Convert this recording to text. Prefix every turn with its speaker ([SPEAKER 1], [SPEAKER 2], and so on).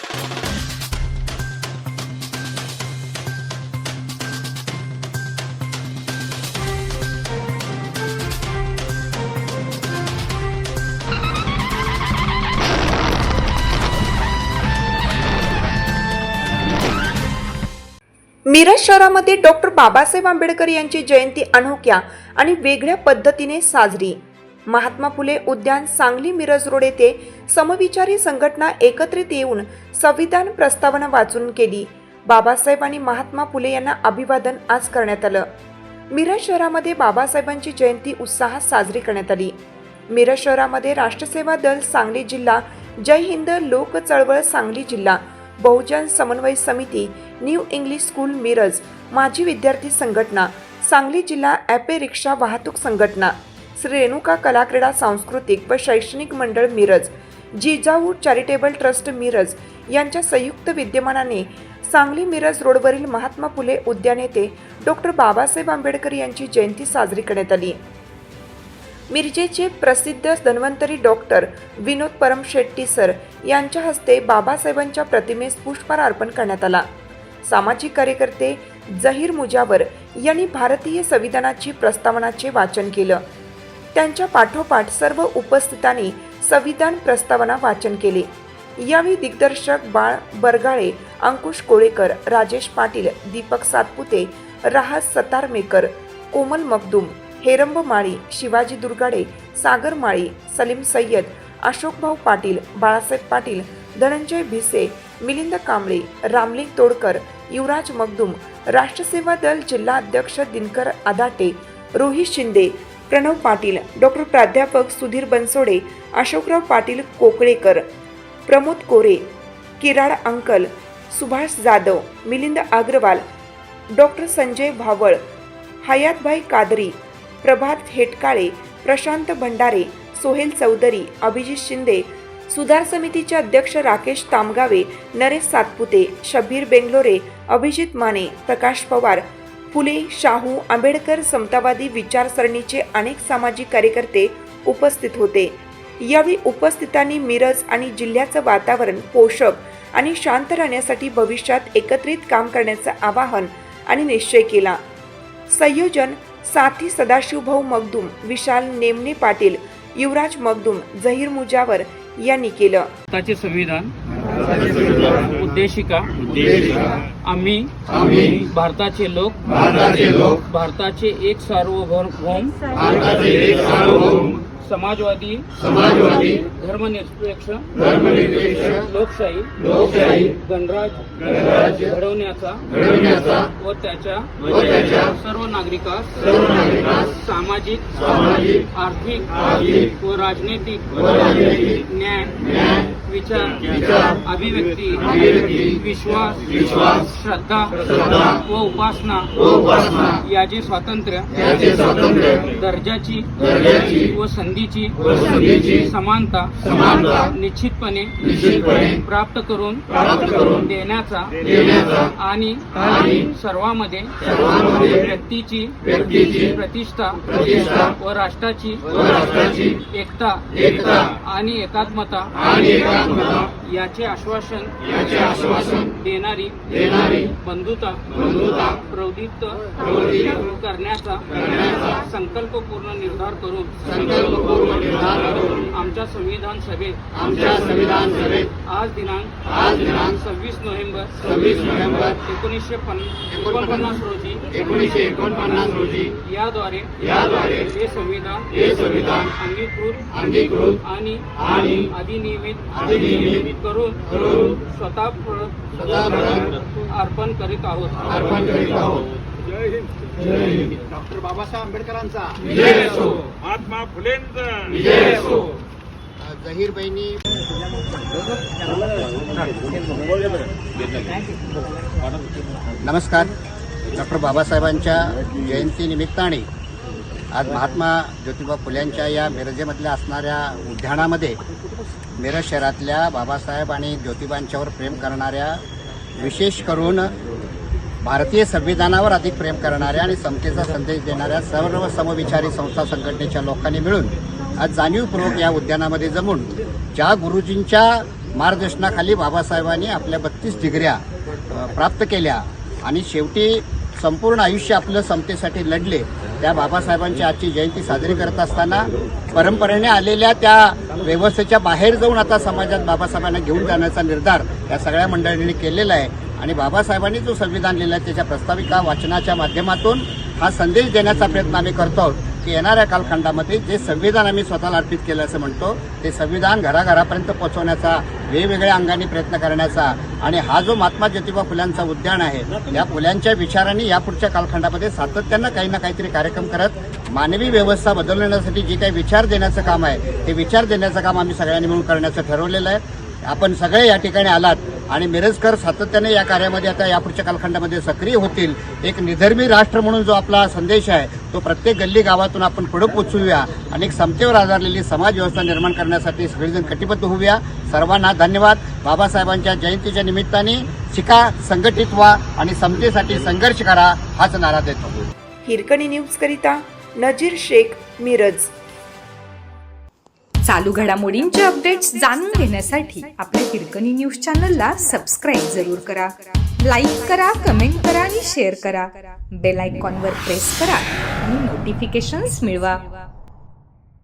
[SPEAKER 1] मिरज शहरामध्ये डॉक्टर बाबासाहेब आंबेडकर यांची जयंती अनोख्या आणि वेगळ्या पद्धतीने साजरी। महात्मा फुले उद्यान, सांगली मिरज रोड येथे समविचारी संघटना एकत्रित येऊन संविधान प्रस्तावना वाचून केली। बाबासाहेब आणि महात्मा फुले यांना अभिवादन आज करण्यात आलं। मिरज शहरामध्ये बाबासाहेबांची जयंती उत्साहात साजरी करण्यात आली। मिरज शहरामध्ये राष्ट्रसेवा दल सांगली जिल्हा, जय हिंद लोक चळवळ सांगली जिल्हा, बहुजन समन्वय समिती, न्यू इंग्लिश स्कूल मिरज, माजी विद्यार्थी संघटना, सांगली जिल्हा ॲपे रिक्षा वाहतूक संघटना, श्री रेणुका कला क्रीडा सांस्कृतिक व शैक्षणिक मंडळ मिरज, जिजाऊ चॅरिटेबल ट्रस्ट मिरज यांच्या संयुक्त विद्यमानाने सांगली मिरज रोडवरील महात्मा फुले उद्यान येथे डॉक्टर बाबासाहेब आंबेडकर यांची जयंती साजरी करण्यात आली। मिरजेचे प्रसिद्ध धन्वंतरी डॉक्टर विनोद परमशेट्टी सर यांच्या हस्ते बाबासाहेबांच्या प्रतिमेस पुष्पहार अर्पण करण्यात आला। सामाजिक कार्यकर्ते जहीर मुजावर यांनी भारतीय संविधानाची प्रस्तावनाचे वाचन केलं। त्यांच्या पाठोपाठ सर्व उपस्थितांनी संविधान प्रस्तावना वाचन केले। यावेळी दिग्दर्शक बाळ बरगाळे, अंकुश कोळेकर, राजेश पाटील, दीपक सातपुते, राहत सतारमेकर, कोमल मखदूम, हेरंब माळी, शिवाजी दुर्गाडे, सागर माळी, सलीम सय्यद, अशोकभाऊ पाटील, बाळासाहेब पाटील, धनंजय भिसे, मिलिंद कांबळे, रामलिंग तोडकर, युवराज मखदूम, राष्ट्रसेवा दल जिल्हा अध्यक्ष दिनकर आदाटे, रोहित शिंदे, प्रणव पाटील, डॉक्टर प्राध्यापक सुधीर बनसोडे, अशोकराव पाटील कोकळेकर, प्रमोद कोरे, किराड अंकल, सुभाष जाधव, मिलिंद अग्रवाल, डॉक्टर संजय भावळ, हयातभाई कादरी, प्रभात हेटकाळे, प्रशांत भंडारे, सोहेल चौधरी, अभिजित शिंदे, सुधार समितीचे अध्यक्ष राकेश तामगावे, नरेश सातपुते, शब्बीर बेंगलोरे, अभिजित माने, प्रकाश पवार, फुले, शाहू, आंबेडकर समतावादी विचारसरणीचे अनेक सामाजिक कार्यकर्ते उपस्थित होते। यावेळी उपस्थितांनी मिरज आणि जिल्ह्याचं वातावरण पोषक आणि शांत राहण्यासाठी भविष्यात एकत्रित काम करण्याचं आवाहन आणि निश्चय केला। संयोजन साथी सदाशिवभाऊ मखदूम, विशाल नेमणे पाटील, युवराज मखदूम, जहीर मुजावर यांनी केलं।
[SPEAKER 2] भारताचे संविधान उद्देशिका आम्ही भारताचे लोक भारताचे एक सार्वभौम समाजवादी धर्मनिरपेक्ष लोकशाही गणराज्य घडवण्याचा व त्याच्या सर्व नागरिकास सामाजिक आर्थिक व राजनैतिक न्याय विचार अभिव्यक्ती विश्वास श्रद्धा व उपासना याचे स्वातंत्र्य दर्जाची व संधीची समानता निश्चितपणे प्राप्त करून देण्याचा आणि सर्वांमध्ये व्यक्तीची प्रतिष्ठा व राष्ट्राची एकता आणि एकात्मता याचे आश्वासन देणारी बंधुता प्रवृत्त करण्याचा संकल्पपूर्ण निर्धार करून आमच्या संविधान सभेत आज दिनांक 26 नोव्हेंबर 1949 रोजी याद्वारे हे संविधान अंगीकृत आणि अधिनियमित करून स्वतः अर्पण करीत आहोत।
[SPEAKER 3] जय हिंद। डॉक्टर बाबासाहेब आंबेडकरांचा विजय असो, महात्मा फुलेंचा विजय असो। जहीर बहिणी
[SPEAKER 4] नमस्कार। डॉक्टर बाबासाहेबांच्या जयंतीनिमित्ताने आज महात्मा ज्योतिबा फुल्यांच्या या मिरजेमधल्या असणाऱ्या उद्यानामध्ये मिरज शहरातल्या बाबासाहेब आणि ज्योतिबांच्यावर प्रेम करणाऱ्या, विशेष करून भारतीय संविधानावर अधिक प्रेम करणाऱ्या आणि समतेचा संदेश देणाऱ्या सर्व समविचारी संस्था संघटनेच्या लोकांनी मिळून आज जाणीवपूर्वक या उद्यानामध्ये जमून ज्या गुरुजींच्या मार्गदर्शनाखाली बाबासाहेबांनी आपल्या 32 डिग्र्या प्राप्त केल्या आणि शेवटी संपूर्ण आयुष्य आपलं समतेसाठी लढले. त्या बाबासाहेबांची आजची जयंती साजरी करत असताना परंपरेने आलेल्या त्या व्यवस्थेच्या बाहेर जाऊन आता समाजात बाबासाहेबांना घेऊन जाण्याचा निर्धार या सगळ्या मंडळींनी केलेला आहे. आणि बाबासाहेबांनी जो संविधान लिहिला त्याच्या प्रस्ताविका वाचनाच्या माध्यमातून हा संदेश देण्याचा प्रयत्न आम्ही करतो आहोत की येणाऱ्या कालखंडामध्ये जे संविधान आम्ही स्वतःला अर्पित केलं असं म्हणतो ते संविधान घराघरापर्यंत पोहोचवण्याचा वेगवेगळ्या अंगाने प्रयत्न करण्याचा आणि हा जो महात्मा ज्योतिबा फुल्यांचा उद्यान आहे या फुल्यांच्या विचारांनी यापुढच्या कालखंडामध्ये सातत्यानं काही ना काहीतरी कार्यक्रम करत मानवी व्यवस्था बदलण्यासाठी जे काही विचार देण्याचं काम आहे ते विचार देण्याचं काम आम्ही सगळ्यांनी मिळून करण्याचं ठरवलेलं आहे. आपण सगळे या ठिकाणी आलात आणि मिरजकर सातत्याने या कार्यामध्ये आता यापुढच्या कालखंडामध्ये सक्रिय होतील. एक निधर्मी राष्ट्र म्हणून जो आपला संदेश आहे तो प्रत्येक गल्ली गावातून आपण पुढे पोचवूया आणि एक समतेवर आधारलेली समाज व्यवस्था निर्माण करण्यासाठी सगळेजण कटिबद्ध होऊया. सर्वांना धन्यवाद. बाबासाहेबांच्या जयंतीच्या निमित्ताने शिका, संघटित व्हा आणि समतेसाठी संघर्ष करा हाच नारा देतो.
[SPEAKER 1] हिरकणी न्यूज करिता नजीर शेख, मिरज.
[SPEAKER 5] चालू घडामोडींचे अपडेट्स जाणून घेण्यासाठी आपल्या हिरकणी न्यूज चॅनलला सबस्क्राईब जरूर करा. लाईक करा, कमेंट करा आणि शेअर करा. बेल आयकॉनवर प्रेस करा आणि नोटिफिकेशन्स मिळवा.